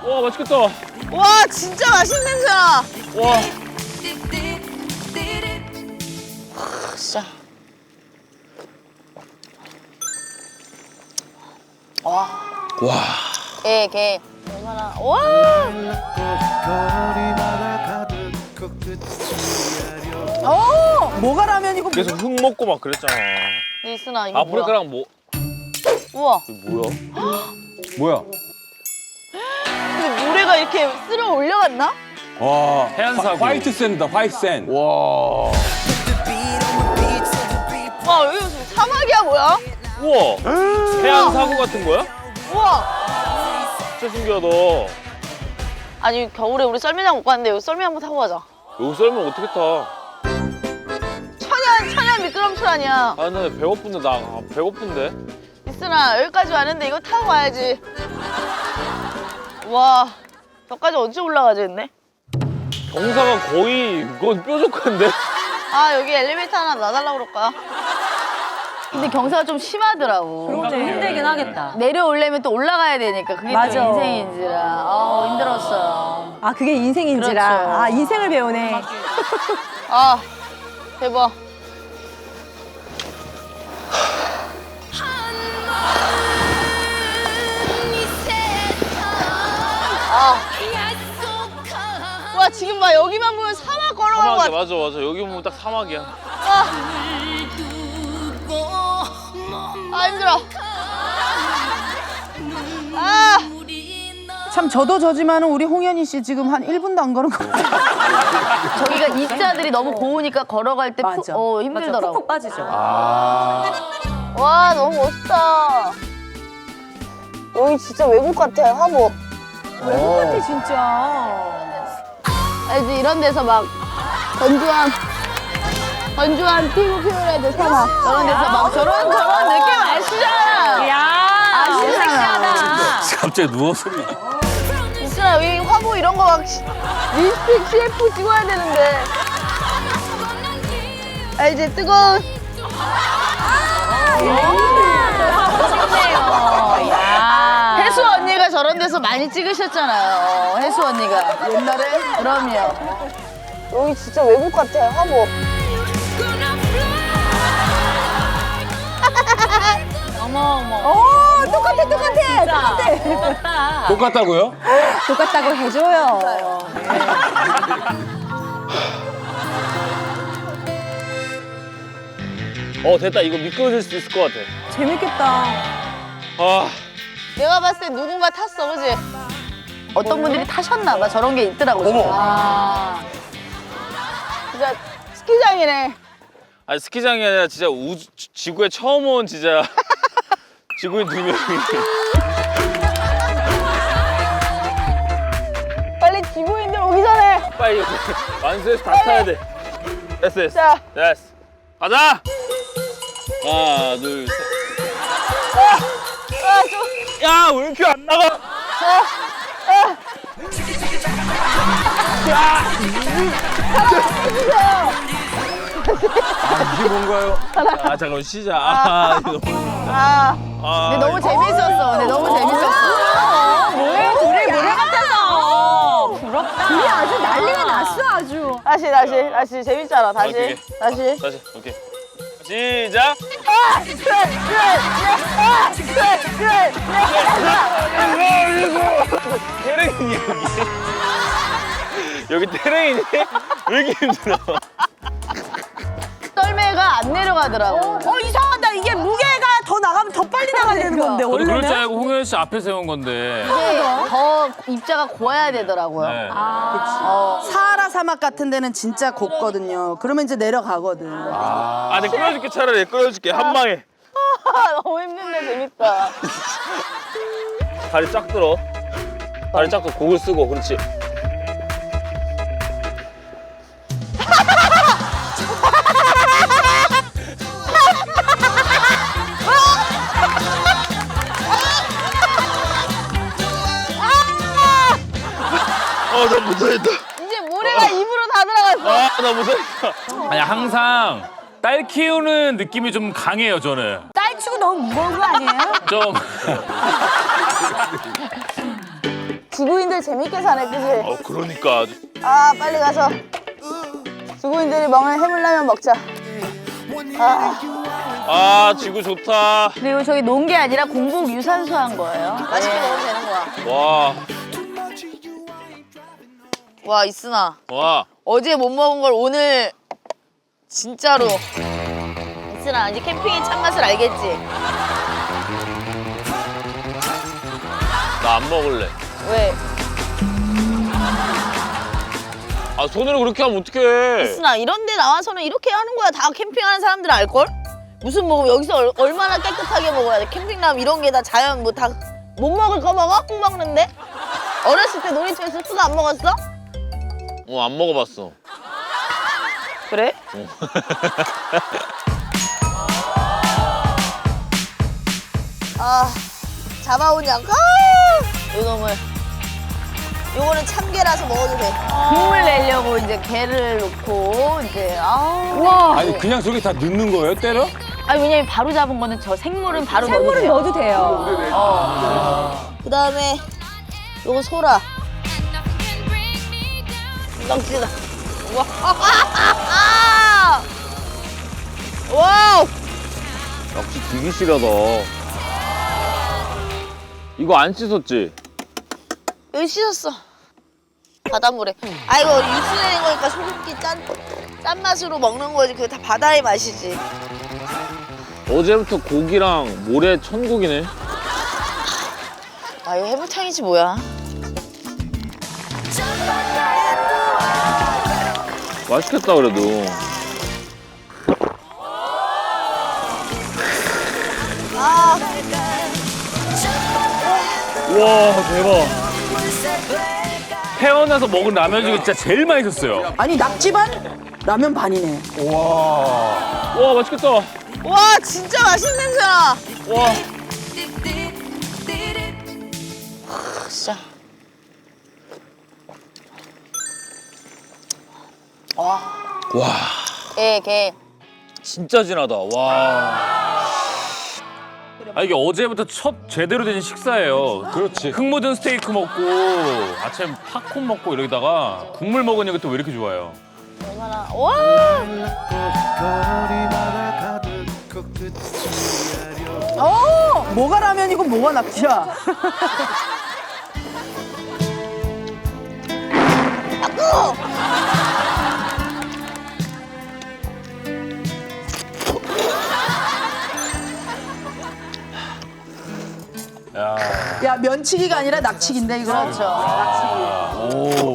와 맛있겠다. 와 진짜 맛있는 냄새야. 와. 진짜. 와. 와. 게 얼마나 와. 오. 뭐가 라면이고 계속 흙 먹고 막 그랬잖아. 니스나 이거 뭐야? 아프리카랑 뭐? 우와. 이거 뭐야? 뭐야? 근데 모래가 이렇게 쓸어 올려갔나? 와. 해안사고. 화이트 샌드다, 화이트 샌드. 와. 와 여기 무슨 사막이야 뭐야? 우와. 해안 사고 같은 거야? 우와. 진짜 신기하다. 아니 겨울에 우리 썰매장 못 갔는데 여기 썰매 한번 타고 가자. 여기 썰면 어떻게 타? 천연 미끄럼틀 아니야. 아, 나 배고픈데 배고픈데. 니스나 여기까지 왔는데 이거 타고 가야지. 와 저까지 언제 올라가지 했네? 경사가 거의 그건 뾰족한데? 아 여기 엘리베이터 하나 놔달라고 그럴까? 근데 경사가 좀 심하더라고. 좀 힘들긴 하겠다. 내려오려면 또 올라가야 되니까 그게 맞아. 또 인생인지라 힘들었어요. 아 그게 인생인지라. 그렇죠. 아 인생을 배우네. 아 대박. 와 지금 막 여기만 보면 사막 걸어가는 것 사막이야, 같아. 맞아. 여기 보면 딱 사막이야. 아 힘들어. 아 참 저도 저지만은 우리 홍현희 씨 지금 한 1분도 안 걸은 것 같아요. 저기가 입자들이 너무 고우니까 걸어갈 때 맞아. 힘들더라고. 푹푹 빠지죠. 와 너무 멋있다. 여기 진짜 외국 같아 화보. 외국 같아 진짜. 알지 이런 데서 막 건조한 피부 표현해야 사막 저런 데서 막 저런 느낌 아시잖아. 야 섹시하다. 갑자기 누웠어. 있잖아 여기 화보 이런 거 막 립스틱 CF 찍어야 되는데. 알지 뜨거운. 혜수 언니가 저런 데서 많이 찍으셨잖아요. 혜수 언니가 옛날에. 그럼요. 여기 진짜 외국 같아 화보. 오 똑같아. 똑같다고요? 똑같다고 해줘요. 됐다. 이거 미끄러질 수 있을 것 같아. 재밌겠다. 아, 내가 봤을 때 누군가 탔어, 그지? 어떤 분들이 타셨나 봐. 저런 게 있더라고. 어머. 진짜 스키장이네. 아니 스키장이 아니라 진짜 지구에 처음 온 진짜 지구인 2명이. 빨리 지구인들 오기 전에. 빨리 이거 완수해서 다 타야 돼. 됐어. 자. 됐어. 가자. 하나, 둘, 셋. 야, 왜 이렇게 안 나가? 이게 뭔가요? 잠깐만 쉬자. 이거. 근데 너무 재밌었어. 둘이 노래 같아서. 부럽다. 둘이 아주 난리가 났어 아주. 다시 재밌잖아. 오케이. 다시. 오케이. 시작. 태릉이니 여기 태릉이니? 왜 이렇게 힘들어? 썰매가 안 내려가더라고. 이상하다. 이게 무게가 더 나가면 더 빨리 나가야 되는 건데 저도 그럴 줄 원래는. 알고 홍현 씨 앞에 세운 건데. 이게 더 입자가 고와야 되더라고요. 네. 사하라 사막 같은 데는 진짜 곱거든요. 그러면 이제 내려가거든. 내가 끌어줄게. 차라리 끌어줄게. 한 방에. 너무 힘든데 재밌다. 다리 쫙 들어. 다리 쫙 들어. 고글 쓰고. 그렇지. 나 못하겠다. 이제 모래가 입으로 다 들어갔어. 나 못하겠다. 아니 항상 딸 키우는 느낌이 좀 강해요 저는. 딸 치고 너무 무거운 거 아니에요? 좀 지구인들 재밌게 사네, 그지? 그러니까. 아, 빨리 가서 지구인들이 먹는 해물라면 먹자. 아, 지구 좋다. 그리고 저기 논 게 아니라 공복 유산소 한 거예요. 맛있게 먹으면 되는 거야. 와, 와, 이순아. 와. 어제 못 먹은 걸 오늘 진짜로. 이순아, 이제 캠핑의 참맛을 알겠지? 나 안 먹을래. 왜? 아, 손으로 그렇게 하면 어떡해. 이순아, 이런 데 나와서는 이렇게 하는 거야. 다 캠핑하는 사람들은 알걸? 무슨 뭐 여기서 얼마나 깨끗하게 먹어야 돼. 캠핑 나면 이런 게 다 자연 뭐 다 못 먹을 거 먹어? 꼭 먹는데? 어렸을 때 놀이터에서 수도 안 먹었어? 안 먹어봤어. 그래? 아, 잡아온 양. 요놈을. 요거는 참게라서 먹어도 돼. 국물 내려고 이제 게를 넣고 이제 와. 아니 그냥 저기 다 넣는 거예요? 때려? 아니 왜냐면 바로 잡은 거는 저 생물은 바로 넣어도 생물은 돼요. 넣어도 돼요. 그다음에 요거 소라. 덩치다. 와. 와우. 역시 되게 실하다. 이거 안 씻었지? 여기 씻었어. 바닷물에. 아 이거 육수 내는 거니까 소금기 짠 맛으로 먹는 거지. 그게 다 바다의 맛이지. 어제부터 고기랑 모래 천국이네. 아 이거 해물탕이지 뭐야. 맛있겠다 그래도. 아 우와 대박. 태어나서 먹은 라면 중에 진짜 제일 맛있었어요. 아니 낙지 반? 라면 반이네. 와 맛있겠다. 와 진짜 맛있는 냄새나. 와. 진짜. 와. 와 게. 진짜 진하다. 와. 아 이게 어제부터 첫 제대로 된 식사예요. 그렇지. 흙 묻은 스테이크 먹고 아침 팝콘 먹고 이러다가 국물 먹으니까 또 왜 이렇게 좋아요? 얼마나. 와. 뭐가 라면이고 뭐가 낙지야? 야. 야 면치기가 아니라 낙치기인데 이거. 그렇죠. 오.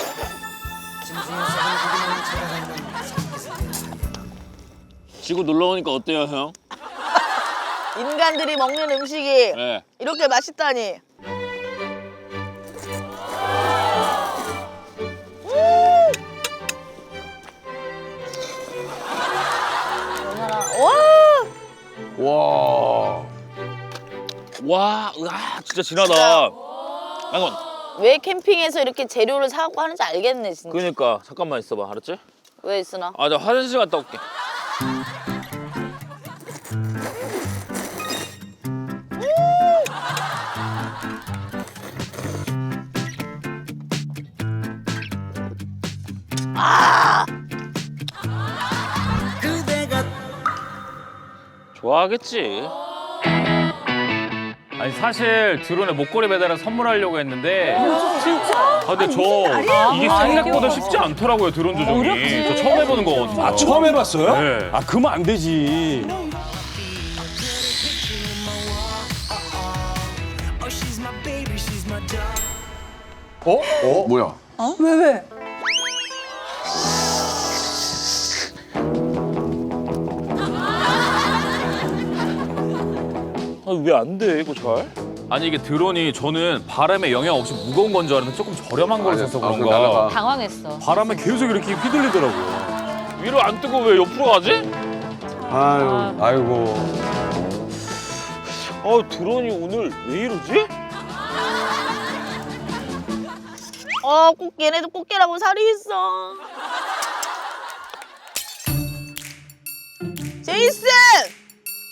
지구 놀러 오니까 어때요, 형? 인간들이 먹는 음식이 네. 이렇게 맛있다니. 얼마나. 와. 와. 와, 으아, 진짜 진하다. 잠깐. 왜 캠핑에서 이렇게 재료를 사갖고 하는지 알겠네 진짜. 그러니까 잠깐만 있어봐, 알았지? 왜 있으나? 아, 나 화장실 갔다 올게. 좋아하겠지. 아니 사실 드론에 목걸이 매달아 선물하려고 했는데 진짜? 아 근데 저 이게 생각보다 쉽지 않더라고요 드론 조종이. 저 처음 해보는 거거든요. 아 처음 해봤어요? 네. 아 그러면 안 되지. 뭐야? 왜? 아 왜 안 돼 이거 잘? 아니 이게 드론이 저는 바람에 영향 없이 무거운 건 줄 알았는데 조금 저렴한 걸 써서 아, 그런가 날아가. 당황했어. 바람에 계속 이렇게 휘둘리더라고요. 위로 안 뜨고 왜 옆으로 가지? 아유, 아이고. 아 드론이 오늘 왜 이러지? 꼭 얘네도 꽃게라고 살이 있어. 제이슨!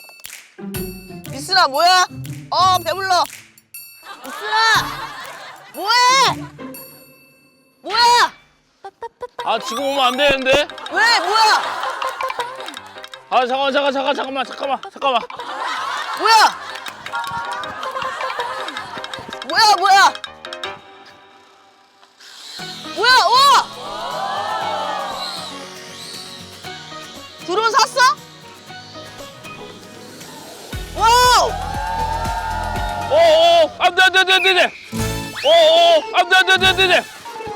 이순아 뭐야? 배불러. 이순아! 뭐해? 뭐야? 아 지금 오면 안 되는데? 왜? 뭐야? 아 잠깐만. 뭐야? 뭐야? 우와! 드론 샀어? 와우! 안돼. 안돼.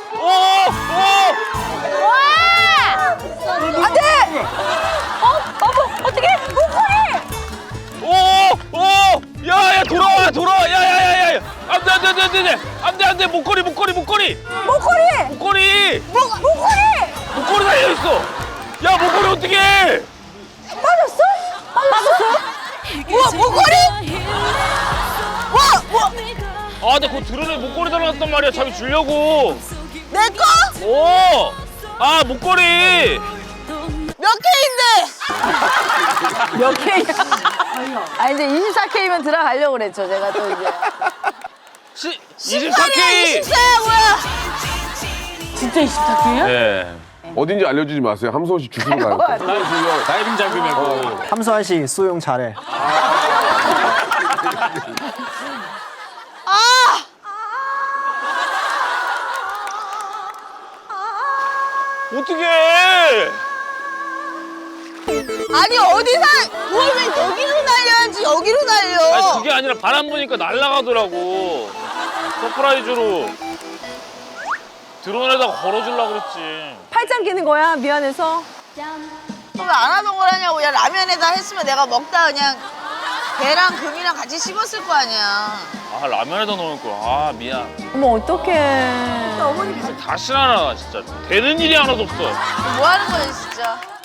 안돼. 어떻게? 목걸이. 야야 돌아와. 야야야야. 안돼. 목걸이. 목걸이. 목걸이 달려 있어. 야 목걸이 어떻게? 빠졌어? 우와, 목걸이? 와! 아 근데 그 드론에 목걸이 달아놨단 말이야. 자기 주려고. 내 거? 아 목걸이. 몇 개인데? 몇 K야? 아 이제 24K면 들어가려고 그랬죠. 제가 또 이제. 24K. 24야, 뭐야? 진짜 24K야? 네. 어딘지 알려주지 마세요. 함소원 씨 주소로 가요. 다이빙 장비 메고. 함소환 씨 수용 잘해. 아! 어떻게? 아니, 어디서, 뭘 왜 여기로 날려야지, 여기로 날려. 아니 그게 아니라 바람 부니까 날아가더라고. 서프라이즈로 드론에다가 걸어주려고 그랬지. 팔짱 끼는 거야 미안해서. 왜 안 하던 걸 하냐고. 야, 라면에다 했으면 내가 먹다 그냥 배랑 금이랑 같이 씹었을 거 아니야. 아 라면에다 넣을 거야. 아 미안. 어머 어떡해. 다시 하나 진짜 되는 일이 하나도 없어. 뭐 하는 거야, 진짜.